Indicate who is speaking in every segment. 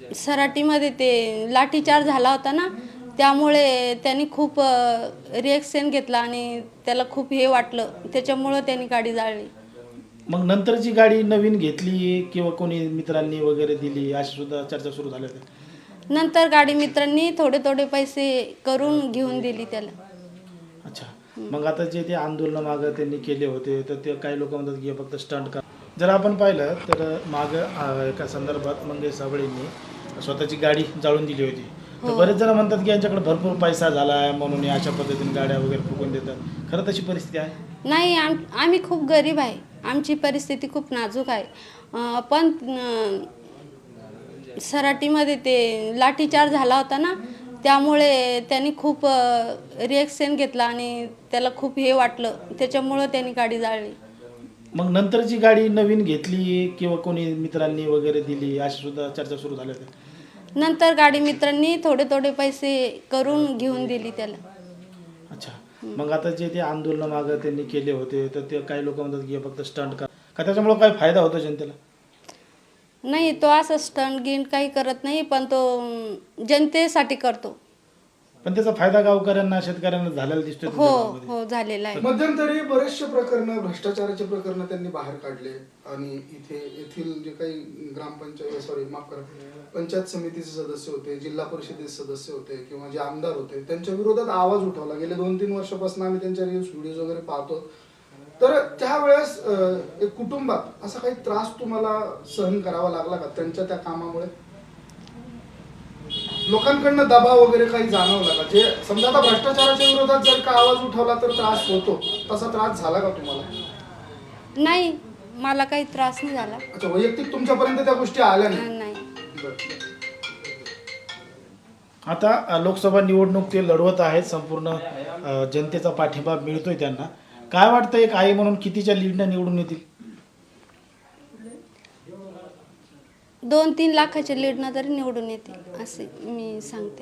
Speaker 1: सराटीमध्ये ते लाठीचार्ज झाला होता ना, त्यामुळे त्यांनी खूप रिॲक्शन घेतला आणि त्याला खूप हे वाटलं, त्याच्यामुळं त्यांनी गाडी जाळली.
Speaker 2: मग नंतरची गाडी नवीन घेतली किंवा कोणी मित्रांनी वगैरे दिली अशी सुद्धा चर्चा सुरू झाल्या होत्या.
Speaker 1: नंतर गाडी मित्रांनी थोडे थोडे पैसे करून घेऊन दिली त्याला.
Speaker 2: अच्छा, मग आता जे ते आंदोलन मागं त्यांनी केले होते तर ते काही लोक म्हणतात की हे फक्त स्टंट कर. जर आपण पाहिलं तर मागं एका संदर्भात मंगेश साबळेंनी स्वतःची गाडी जाळून दिली होती. तर बरेच जण म्हणतात की यांच्याकडे भरपूर पैसा झाला आहे म्हणून हे अशा पद्धतीने गाड्या वगैरे फुकून देतात. खरं तशी परिस्थिती आहे?
Speaker 1: नाही, आम्ही खूप गरीब आहे, आमची परिस्थिती खूप नाजूक आहे. पण सराटीमध्ये ते लाठीचार्ज झाला होता ना, त्यामुळे त्यांनी खूप रिॲक्शन घेतला आणि त्याला खूप हे वाटलं, त्याच्यामुळं त्यांनी गाडी जाळली.
Speaker 2: मग नंतरची गाडी नवीन घेतली किंवा कोणी मित्रांनी वगैरे दिली अशी सुद्धा चर्चा सुरू झाल्या होत्या.
Speaker 1: नंतर गाडी मित्रांनी थोडे थोडे पैसे करून घेऊन दिली त्याला.
Speaker 2: अच्छा, मग आता जे ते आंदोलन मागं त्यांनी केले होते तर ते काही लोक म्हणतात की हे फक्त स्टंट कर. का त्याच्यामुळे काय फायदा होतो जनतेला?
Speaker 1: नाही, तो असं स्टंट गिंट काही करत नाही, पण तो जनतेसाठी करतो.
Speaker 2: पण त्याचा फायदा गावकऱ्यांना शेतकऱ्यांना झालेला दिसतोय
Speaker 1: हो
Speaker 2: तुमच्या गावामध्ये.
Speaker 1: हो, झालेला आहे.
Speaker 3: मध्यंतरी बरेचसे प्रकरण भ्रष्टाचाराचे प्रकरण त्यांनी बाहेर काढले आणि येथील जे काही माफ करा, पंचायत समितीचे सदस्य होते, जिल्हा परिषदेचे सदस्य होते किंवा जे आमदार होते त्यांच्या विरोधात आवाज उठवला. गेले 2-3 वर्षापासून आम्ही त्यांच्या व्हिडिओज वगैरे पाहतो. तर त्यावेळेस एक कुटुंबात असा काही त्रास तुम्हाला सहन करावा लागला का त्यांच्या त्या कामामुळे? लोकांकडनं दबाव वगैरे काही जाणवला का? जे समजा आता भ्रष्टाचाराच्या विरोधात जर का आवाज उठवला तर त्रास होतो, तसा त्रास झाला का तुम्हाला?
Speaker 1: नाही, मला काही त्रास नाही झाला.
Speaker 3: अच्छा, वैयक्तिक तुमच्यापर्यंत त्या गोष्टी आल्या नाही?
Speaker 1: नाही.
Speaker 2: आता लोकसभा निवडणूक ते लढवत आहेत, संपूर्ण जनतेचा पाठिंबा मिळतोय त्यांना. काय वाटतं एक आई म्हणून कितीच्या लीडनं निवडून येतील?
Speaker 1: 2-3 लाखाच्या लीडनं तरी निवडून येते असे मी सांगते.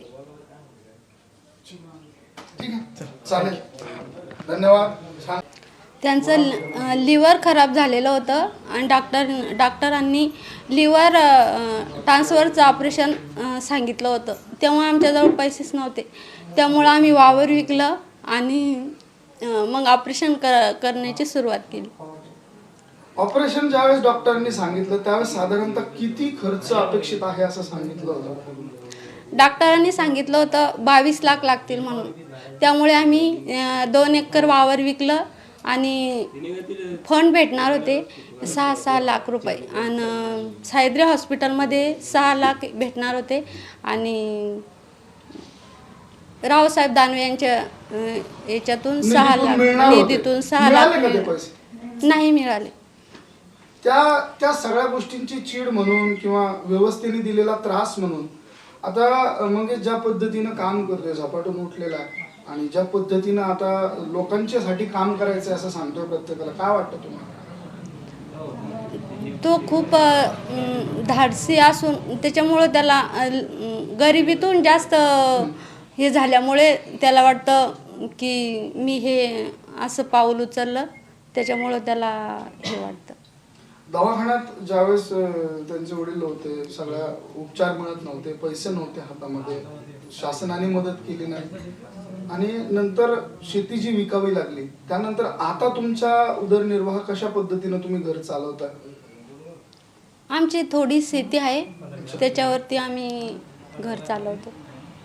Speaker 3: ठीक आहे, चालेल, धन्यवाद. छान.
Speaker 1: त्यांचं लिव्हर खराब झालेलं होतं आणि डॉक्टरांनी लिव्हर ट्रान्सफरचं ऑपरेशन सांगितलं होतं. तेव्हा आमच्याजवळ पैसेच नव्हते, त्यामुळं आम्ही वावर विकलं आणि मग ऑपरेशन करण्याची सुरुवात केली.
Speaker 3: ऑपरेशन ज्यावेळेस डॉक्टरांनी सांगितलं त्यावेळेस साधारणतः किती खर्च अपेक्षित आहे असं सांगितलं होतं?
Speaker 1: डॉक्टरांनी सांगितलं होतं 22 लाख लागतील म्हणून. त्यामुळे आम्ही 2 एकर वावर विकलं आणि फंड भेटणार होते 6 लाख रुपये आणि सायद्री हॉस्पिटलमध्ये 6 लाख भेटणार होते आणि रावसाहेब दानवे यांच्या याच्यातून 6 लाख निधीतून 6 लाख नाही मिळाले.
Speaker 3: त्या सगळ्या गोष्टींची चीड म्हणून किंवा व्यवस्थेने दिलेला त्रास म्हणून आता म्हणजे ज्या पद्धतीनं काम करतोय, झपाटून उठलेला आहे आणि ज्या पद्धतीनं आता लोकांच्यासाठी काम करायचं असं सांगतोय प्रत्येकाला, काय वाटतं तुम्हाला?
Speaker 1: तो खूप धाडसी असून त्याच्यामुळं त्याला गरिबीतून जास्त हे झाल्यामुळे त्याला वाटतं की मी हे असं पाऊल उचललं, त्याच्यामुळं त्याला हे वाटतं.
Speaker 3: दवाखान्यात ज्यावेळेस त्यांचे वडील होते, सगळ्या उपचार मिळत नव्हते, पैसे नव्हते हातामध्ये, शासनाने मदत केली नाही आणि नंतर शेती जी विकावी लागली, त्यानंतर आता तुमचा उदरनिर्वाह कशा पद्धतीनं तुम्ही घर चालवता?
Speaker 1: आमची थोडी शेती आहे, त्याच्यावरती आम्ही घर चालवतो.